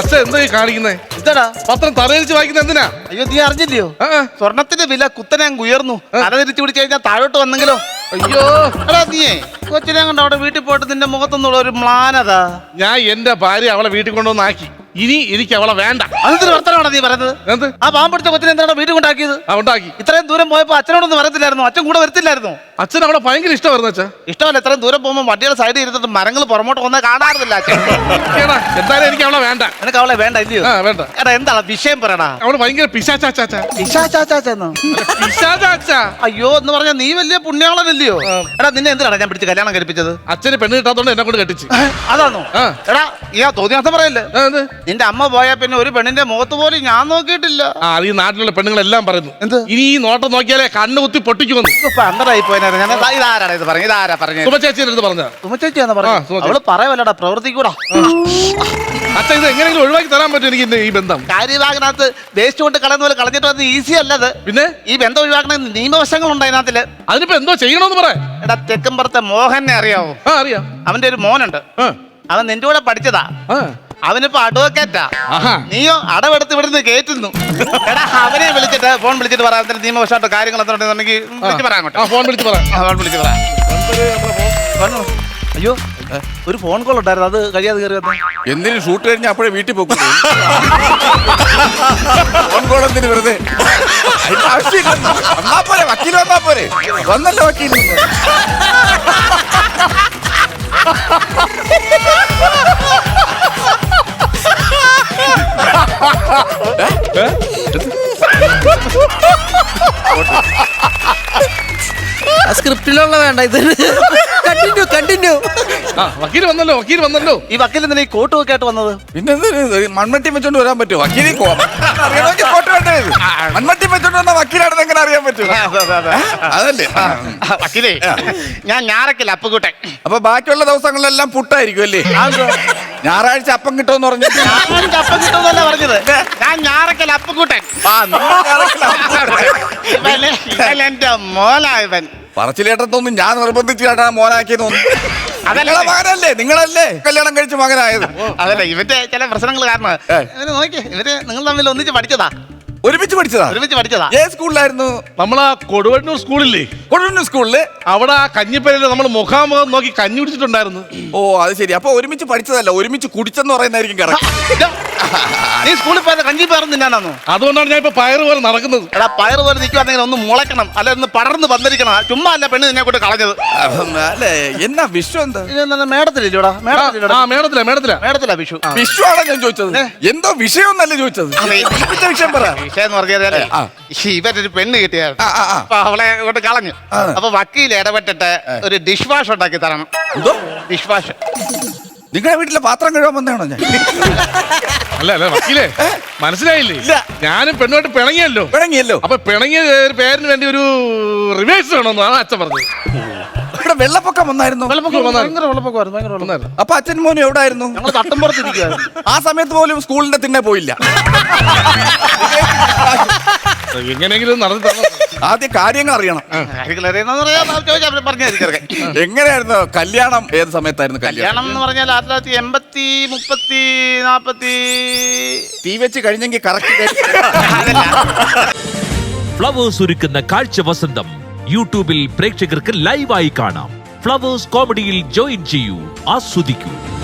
അച്ഛൻ എന്താ കാണിക്കുന്നേ? എന്താടാ പത്രം തലയിരിച്ച് വായിക്കുന്ന എന്തിനാ? അയ്യോ നീ അറിഞ്ഞില്ലയോ? സ്വർണത്തിന്റെ വില കുത്തനെ അങ്ങ് ഉയർന്നു. തല തിരിച്ചു പിടിച്ചു കഴിഞ്ഞാൽ താഴോട്ട് വന്നെങ്കിലോ? അയ്യോ എടാ നീയേ കൊച്ചിനെ കൊണ്ട് അവിടെ വീട്ടിൽ പോയിട്ട് നിന്റെ മുഖത്തൊന്നുള്ള ഒരു മ്ലാനതാ. ഞാൻ എന്റെ ഭാര്യ അവളെ വീട്ടിൽ കൊണ്ടുവന്നാക്കി. ഇനി എനിക്ക് അവളെ വേണ്ട. അതൊരു വർത്തമാനാണ് നീ പറയുന്നത്. എന്ത്? ആ പാമ്പടിച്ച കൊച്ചിനെ എന്താണ് വീട്ടിൽ കൊണ്ടാക്കിയത്? ഉണ്ടാക്കി. ഇത്രയും ദൂരം പോയപ്പോ അച്ഛനോടൊന്നും വരത്തില്ലായിരുന്നു? അച്ഛൻ കൂടെ വരത്തില്ലായിരുന്നു? അച്ഛൻ അവളെ ഭയങ്കര ഇഷ്ടമായിരുന്നു. അച്ഛാ ഇഷ്ടമല്ല. ഇത്രയും ദൂരം പോകുമ്പോൾ വണ്ടിയുടെ സൈഡിൽ ഇരുന്നിട്ട് മരങ്ങൾ പുറമോട്ട് വന്നാൽ കാണാറില്ല അച്ഛൻ. എന്തായാലും എനിക്ക് അവളെ വേണ്ട. നിനക്ക് അവളെ വേണ്ട ഇല്ലയോ? വേണ്ട. എടാ എന്താണ് വിഷയം പറയടാ. അവള് ഭയങ്കര പിശാച്ചാച്ചാ. അയ്യോ എന്ന് പറഞ്ഞാൽ നീ വലിയ പുണ്യാളനല്ലയോ? എടാ നിന്നെ എന്തിനാണ് ഞാൻ പിടിച്ച് കല്യാണം കഴിപ്പിച്ചത്? അച്ഛന് പെണ്ണ് കിട്ടാത്തോണ്ട് എന്നെ കൊണ്ട് കെട്ടിച്ച്. അതാണോ? എടാ ഈ തോന്നിയാസം പറയല്ലേ. നിന്റെ അമ്മ പോയാ പിന്നെ ഒരു പെണ്ണിന്റെ മുഖത്ത് പോലും ഞാൻ നോക്കിയിട്ടില്ല. ഈ നാട്ടിലുള്ള പെണ്ണുങ്ങളെല്ലാം പറയുന്നു. എന്ത്? ഇനി ഈ നോട്ടം നോക്കിയാലേ കണ്ണ് കുത്തി പൊട്ടിക്കുമെന്ന്. അന്തരായി പോയാ ഇതാരാണ് ഇത് പറഞ്ഞു? ഇതാരാ പറഞ്ഞു? സുമചേച്ചിയുടെ അടുത്ത് പറഞ്ഞ. സുമചേച്ചിയാന്ന് പറഞ്ഞു. അവള് പറയവല്ലടാ പ്രവർത്തിക്കൂടാ. അച്ഛൻ ഇത് എങ്ങനെയെങ്കിലും ഒഴിവാക്കി തരാൻ പറ്റും എനിക്ക് ഈ ബന്ധം. കാര്യഭാഗനകത്ത് വേസ്റ്റ് കൊണ്ട് കളയുന്ന പോലെ കളഞ്ഞിട്ട് വന്ന് ഈസി അല്ലത്. പിന്നെ ഈ ബന്ധം ഒഴിവാക്കണ നിയമവശങ്ങളുണ്ട് അതിനകത്തില്. അതിനിപ്പോ എന്തോ ചെയ്യണമെന്ന് പറയാം. എടാ തെക്കമ്പുറത്തെ മോഹനെ അറിയാവോ? അറിയാം. അവന്റെ ഒരു മോനുണ്ട്. അവൻ നിന്റെ കൂടെ പഠിച്ചതാ. അവനിപ്പോ അഡ്വക്കേറ്റാ. നീയോ അടവെടുത്ത് ഇവിടുന്ന് കേറ്റുന്നു. എടാ അവനെ വിളിച്ചിട്ട് ഫോൺ വിളിച്ചിട്ട് പറയാം നിയമവശമായിട്ട് കാര്യങ്ങൾ എന്തുണ്ടെന്നുണ്ടെങ്കിൽ വിളിച്ച് പറയാം. ഫോൺ വിളിച്ച് പറയാം. അയ്യോ ഒരു ഫോൺ കോൾ ഉണ്ടായിരുന്നു. അത് കഴിയാതെ കയറി വന്നു. എന്തിനും ഷൂട്ട് കഴിഞ്ഞാൽ അപ്പോഴേ വീട്ടിൽ പോകും. ഫോൺ കോൾ എന്തിനു വെറുതെ? വന്നാ പോരെ, വക്കീൽ വന്നാ പോരെ. വന്നല്ലോ വക്കീൽ. സ്ക്രിപ്റ്റിലുള്ള വേണ്ട. ഇത് കണ്ടിന്യൂ. വക്കീൽ വന്നല്ലോ. ഈ വക്കീൽ എന്തിനാ ഈ കോട്ട് ഒക്കെ ആയിട്ട് വന്നത്? പിന്നെ മൺമട്ടി വെച്ചോണ്ട് വരാൻ പറ്റുമോ? വക്കീലി കോട്ട് വേണ്ടേ? മൺമട്ടി വെച്ചോണ്ട് വന്ന വക്കീലാണെന്ന് എങ്ങനെ അറിയാൻ പറ്റും? അതല്ലേ വക്കീലേ, ഞാൻ ഞാറക്കല്ല അപ്പുകൂട്ടെ. അപ്പൊ ബാക്കിയുള്ള ദിവസങ്ങളിലെല്ലാം പുട്ടായിരിക്കും അല്ലേ? ഞായറാഴ്ച അപ്പം കിട്ടുമെന്ന് പറഞ്ഞു. അപ്പം കിട്ടുമെന്നല്ല പറഞ്ഞത്. ഞാൻ ഞാറക്കല്ല അപ്പുകൂട്ടൻ. എന്റെ മോനായവൻ. പറച്ചിലേട്ടത്തൊന്നും ഞാൻ നിർബന്ധിച്ചു കേട്ടാ മോനാക്കിയെന്ന് തോന്നുന്നു. അതല്ല മകനല്ലേ, നിങ്ങളല്ലേ കല്യാണം കഴിച്ച മകനായത്? അതല്ല ഇവന്റെ ചില പ്രശ്നങ്ങൾ കാരണം. ഇവര് നോക്കി, ഇവര് നിങ്ങൾ തമ്മിൽ ഒന്നിച്ച് പഠിച്ചതാ. ഒരുമിച്ച് പഠിച്ചതാ. ഏത് സ്കൂളിലായിരുന്നു? നമ്മളാ കൊടുവണ്ണൂർ സ്കൂളില്ലേ? കൊടുവണ്ണൂർ സ്കൂളില് അവിടെ ആ കഞ്ഞിപ്പേരില് നമ്മൾ മുഖാമുഖം നോക്കി കഞ്ഞി കുടിച്ചിട്ടുണ്ടായിരുന്നു. ഓ അത് ശരി. അപ്പൊ ഒരുമിച്ച് പഠിച്ചതല്ല, ഒരുമിച്ച് കുടിച്ചെന്ന് പറയുന്നതായിരിക്കും കറക്റ്റ്. നീ സ്കൂളിൽ പോയത് കഞ്ഞി പയറും തിന്നാനാണോ? അതുകൊണ്ടാണ് ഞാൻ ഇപ്പൊ പയറ് പോലെ നടക്കുന്നത്. എടാ പയറ് പോലെ നിൽക്കുവാണെങ്കിൽ ഒന്ന് മുളയ്ക്കണം, അല്ലെ ഒന്ന് പടർന്ന് വന്നിരിക്കണം. ചുമ്മാ അല്ല പെണ്ണ് നിന്നെ കൊണ്ട് കളഞ്ഞത്. അല്ലേ എന്നാ വിഷു എന്താ? മേടത്തിലില്ലോടാ. മേടത്തിലാ വിഷു. വിഷു ആണോ ഞാൻ ചോദിച്ചത്? എന്തോ വിഷയം എന്നല്ല ചോദിച്ചത്. വിഷയം പറ. വിഷയം എന്ന് പറഞ്ഞാലേ ഇവരൊരു പെണ്ണ് കിട്ടിയായിരുന്നു. അപ്പൊ അവളെ കൊണ്ട് കളഞ്ഞു. അപ്പൊ വക്കീൽ ഇടപെട്ടിട്ട് ഒരു ഡിഷ് വാഷ് ഉണ്ടാക്കി തരണം. Dish wash. നിങ്ങളുടെ വീട്ടിലെ പാത്രം കഴുകാൻ വന്നാണോ ഞാൻ? അല്ല വക്കീലേ, മനസ്സിലായില്ലേ? ഞാനും പെണ്ണുമായിട്ട് പിണങ്ങിയല്ലോ. അപ്പൊ പിണങ്ങിയ പേരിന് വേണ്ടി ഒരു റിവേഴ്സ് വേണമെന്ന് ആണ് അച്ഛൻ പറഞ്ഞത്. ഇവിടെ വെള്ളപ്പൊക്കം വന്നായിരുന്നു. അപ്പൊ അച്ഛൻ മോനും എവിടെ ആയിരുന്നു? ഞങ്ങൾ തട്ടുമ്പുറത്തിരിക്കുവായിരുന്നു. ആ സമയത്ത് പോലും സ്കൂളിന്റെ തിന്നെ പോയില്ല. എങ്ങനെയെങ്കിലും നടന്നു. ആദ്യം കാര്യങ്ങൾ അറിയണം. എങ്ങനെയായിരുന്നു കല്യാണം? ഏത് സമയത്തായിരുന്നു കല്യാണം എന്ന് പറഞ്ഞാൽ 1980, 30, 40 തീ വെച്ച് കഴിഞ്ഞെങ്കിൽ കറക്റ്റ്. ഫ്ലവേഴ്സ് ഒരുക്കുന്ന കാഴ്ച വസന്തം യൂട്യൂബിൽ പ്രേക്ഷകർക്ക് ലൈവായി കാണാം. ഫ്ലവേഴ്സ് കോമഡിയിൽ ജോയിൻ ചെയ്യൂ, ആസ്വദിക്കൂ.